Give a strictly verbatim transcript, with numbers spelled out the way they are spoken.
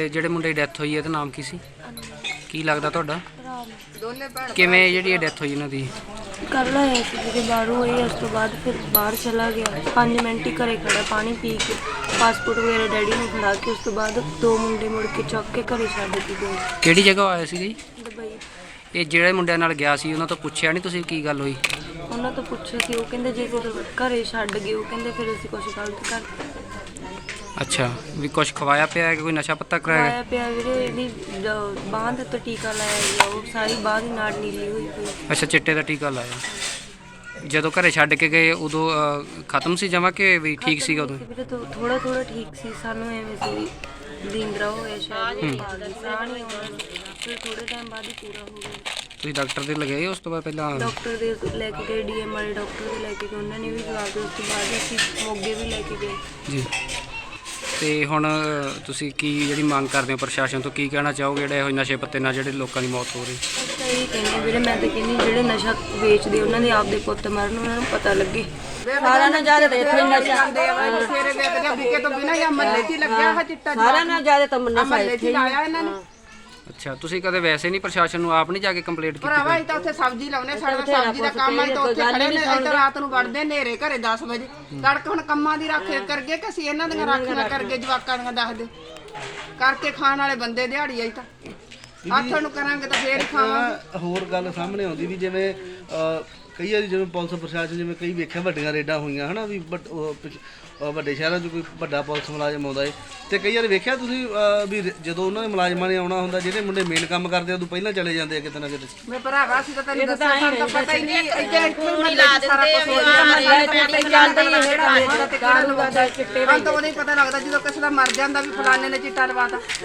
ਜਿਹੜੇ ਮੁੰਡੇ ਦੀ ਡੈਥ ਹੋਈ ਇਹਦਾ ਨਾਮ ਕੀ ਸੀ? ਕੀ ਲੱਗਦਾ ਤੁਹਾਡਾ? ਕਿਵੇਂ ਜਿਹੜੀ ਇਹ ਡੈਥ ਹੋਈ ਇਹਨਾਂ ਦੀ? ਕੱਲ੍ਹ ਆਇਆ ਸੀ ਜਿਹੜੇ ਬਾਹਰੋਂ ਹੋਈ, ਉਸ ਤੋਂ ਬਾਅਦ ਫਿਰ ਬਾਹਰ ਚਲਾ ਗਿਆ। ਪੰਜ ਮਿੰਟ ਹੀ ਘਰੇ ਖੜਾ ਪਾਣੀ ਪੀ ਕੇ, ਪਾਸਪੋਰਟ ਵਗੈਰਾ ਡੈਡੀ ਨੂੰ ਫੜਾ ਕੇ, ਉਸ ਤੋਂ ਬਾਅਦ ਦੋ ਮੁੰਡੇ ਮੁੜ ਕੇ ਚੁੱਕ ਕੇ ਘਰੇ ਛੱਡ ਕੇ ਗਏ। ਕਿਹੜੀ ਜਗ੍ਹਾ ਆਇਆ ਸੀ ਜੀ? ਦੁਬਈ। ਇਹ ਜਿਹੜੇ ਮੁੰਡਿਆਂ ਨਾਲ ਗਿਆ ਸੀ ਉਹਨਾਂ ਤੋਂ ਪੁੱਛਿਆ ਨਹੀਂ ਤੁਸੀਂ ਕੀ ਗੱਲ ਹੋਈ? ਉਹਨਾਂ ਤੋਂ ਪੁੱਛਿਆ ਸੀ, ਉਹ ਕਹਿੰਦੇ ਜੇ ਫਿਰ ਘਰੇ ਛੱਡ ਗਏ, ਉਹ ਕਹਿੰਦੇ ਫਿਰ ਅਸੀਂ ਕੁਛ ਗਲਤ ਕਰ ਅੱਛਾ, ਵੀ ਕੁਛ ਖਵਾਇਆ ਪਿਆ ਕਿ ਕੋਈ ਨਸ਼ਾ ਪੱਤਾ ਕਰਾਇਆ? ਖਵਾਇਆ ਪਿਆ ਵੀਰੇ। ਇਹਦੀ ਬਾਂਹ ਦੇ ਉੱਤੇ ਟੀਕਾ ਲਾਇਆ ਗਿਆ, ਉਹ ਸਾਰੀ ਬਾਂਹ ਦੀ ਨਾੜ ਨੀਲੀ ਹੋਈ ਪਈ। ਅੱਛਾ, ਚਿੱਟੇ ਦਾ ਟੀਕਾ ਲਾਇਆ। ਜਦੋਂ ਘਰੇ ਛੱਡ ਕੇ ਗਏ ਉਦੋਂ ਅਹ, ਖਤਮ ਸੀ ਜਮਾ ਕਿ ਵੀ ਠੀਕ ਸੀਗਾ ਉਦੋਂ? ਵੀਰੇ ਥੋੜਾ ਥੋੜਾ ਠੀਕ ਸੀ, ਸਾਨੂੰ ਐਵੇਂ ਸੀ ਲੀਂਦਰਾ ਹੋਇਆ ਸ਼ਾਇਦ, ਸਾਹ ਨਹੀਂ ਆਉਣਾ, ਫਿਰ ਥੋੜੇ ਟਾਈਮ ਬਾਅਦ ਹੀ ਪੂਰਾ ਹੋ ਗਿਆ। ਤੁਸੀਂ ਡਾਕਟਰ ਦੇ ਲਗਾਏ ਉਸ ਤੋਂ ਬਾਅਦ? ਪਹਿਲਾਂ ਡਾਕਟਰ ਦੇ ਲੈ ਕੇ ਗਏ, ਡੀ ਐਮ ਵਾਲੇ ਡਾਕਟਰ ਦੇ ਲੈ ਕੇ ਗਏ, ਉਹਨਾਂ ਨੇ ਵੀ ਜਵਾਬ ਦਿੱਤਾ। ਉਸ ਤੋਂ ਬਾਅਦ ਅਸੀਂ ਮੋਗੇ ਵੀ ਲੈ ਕੇ ਗਏ ਜੀ। ਤੇ ਹੁਣ ਤੁਸੀਂ ਕੀ ਜਿਹੜੀ ਮੰਗ ਕਰਦੇ ਹੋ ਪ੍ਰਸ਼ਾਸਨ ਤੋਂ, ਕੀ ਕਹਿਣਾ ਚਾਹੋਗੇ ਜਿਹੜੇ ਇਹੋ ਨਸ਼ੇ ਪੱਤੇ ਨਾਲ ਜਿਹੜੇ ਲੋਕਾਂ ਦੀ ਮੌਤ ਹੋ ਰਹੀ? ਤਾਂ ਇਹ ਕਹਿੰਦੇ ਵੀਰੇ, ਮੈਂ ਤਾਂ ਕਹਿੰਦੀ ਜਿਹੜੇ ਨਸ਼ਾ ਵੇਚਦੇ ਉਹਨਾਂ ਦੇ ਆਪਦੇ ਪੁੱਤ ਮਰਨ, ਉਹਨਾਂ ਨੂੰ ਪਤਾ ਲੱਗੇ। ਸਾਰਾ ਨਾ ਜ਼ਿਆਦਾ ਤੇ ਇੱਥੇ ਨਸ਼ਾ ਸਵੇਰੇ ਵੇਚਦੇ ਵਿਕੇ ਤੋਂ ਬਿਨਾਂ ਜਾਂ ਮਹੱਲੇ 'ਚ ਲੱਗਿਆ ਹੈ ਚਿੱਟਾ। ਸਾਰਾ ਨਾ ਜ਼ਿਆਦਾ ਤਾਂ ਨਸ਼ਾ ਇੱਥੇ ਲਾਇਆ ਇਹਨਾਂ ਨੇ। ਅੱਛਾ, ਤੁਸੀਂ ਕਦੇ ਵੈਸੇ ਨਹੀਂ ਪ੍ਰਸ਼ਾਸਨ ਨੂੰ ਆਪ ਨਹੀਂ ਜਾ ਕੇ ਕੰਪਲੇਂਟ ਕੀਤੀ? ਭਰਾਵਾ ਅਸੀਂ ਤਾਂ ਉੱਥੇ ਸਬਜ਼ੀ ਲਾਉਨੇ, ਸਾਡਾ ਸਬਜ਼ੀ ਦਾ ਕੰਮ ਹੈ ਤਾਂ ਉੱਥੇ ਖੜੇ ਨੇ। ਇੱਧਰ ਰਾਤ ਨੂੰ ਵੜਦੇ ਨੇਰੇ ਘਰੇ ਦਸ ਵਜੇ ਤੜਕ। ਹੁਣ ਕੰਮਾਂ ਦੀ ਰੱਖ ਕਰਗੇ ਕਿ ਅਸੀਂ ਇਹਨਾਂ ਦੀਆਂ ਰਾਖੀਆਂ ਕਰਗੇ, ਜਵਾਕਾਂ ਦੀਆਂ ਦੱਸਦੇ ਕਰਕੇ ਖਾਣ ਵਾਲੇ ਬੰਦੇ ਦਿਹਾੜੀ ਆਈ ਤਾਂ ਆਥਣ ਨੂੰ ਕਰਾਂਗੇ ਤਾਂ ਫੇਰ ਖਾਵਾਂਗੇ। ਹੋਰ ਗੱਲ ਸਾਹਮਣੇ ਆਉਂਦੀ ਵੀ ਜਿਵੇਂ ਕਈ ਵਾਰੀ ਜਿਵੇਂ ਪੁਲਿਸ ਪ੍ਰਸ਼ਾਸਨ ਜਿਵੇਂ ਕਈ ਵੇਖਿਆ ਵੱਡੀਆਂ ਰੇਡਾਂ ਹੋਈਆਂ ਹਨਾ ਵੀ ਵੱਡੇ ਸ਼ਹਿਰਾਂ 'ਚ ਕੋਈ ਵੱਡਾ ਪੁਲਿਸ ਮੁਲਾਜ਼ਮ ਆਉਂਦਾ ਏ ਤੇ ਕਈ ਵਾਰੀ ਵੇਖਿਆ ਤੁਸੀਂ ਵੀ ਜਦੋਂ ਉਹਨਾਂ ਦੇ ਮੁਲਾਜ਼ਮਾਂ ਨੇ ਆਉਣਾ ਹੁੰਦਾ, ਜਿਹੜੇ ਮੁੰਡੇ ਮੇਨ ਕੰਮ ਕਰਦੇ ਉਦੋਂ ਪਹਿਲਾਂ ਚਲੇ ਜਾਂਦੇ ਆ ਕਿਤੇ ਨਾ ਕਿਤੇ। ਮੈਂ ਭਰਾਵਾ ਸੀ ਤਾਂ ਤੈਨੂੰ ਦੱਸਿਆ, ਸਾਨੂੰ ਤਾਂ ਪਤਾ ਹੀ ਨਹੀਂ। ਇੱਧਰ ਇੱਥੇ ਮਹੱਲੇ 'ਚ ਸਾਰਾ ਕੁਝ ਹੋ ਜਾਂਦਾ, ਮਹੱਲੇ 'ਚ ਪਤਾ ਹੀ ਚੱਲਦਾ ਹੀ ਜਿਹੜਾ ਵੇਚਦਾ ਤੇ ਕਿਹੜਾ ਲਵਾਦਾ ਚਿੱਟੇ ਦਾ। ਤਾਂ ਉਹਦੇ ਹੀ ਪਤਾ ਲੱਗਦਾ ਜਦੋਂ ਕਿਸੇ ਦਾ ਮਰ ਜਾਂਦਾ ਵੀ ਫਲਾਣੇ ਨੇ ਚਿੱਟਾ ਲਵਾਤਾ।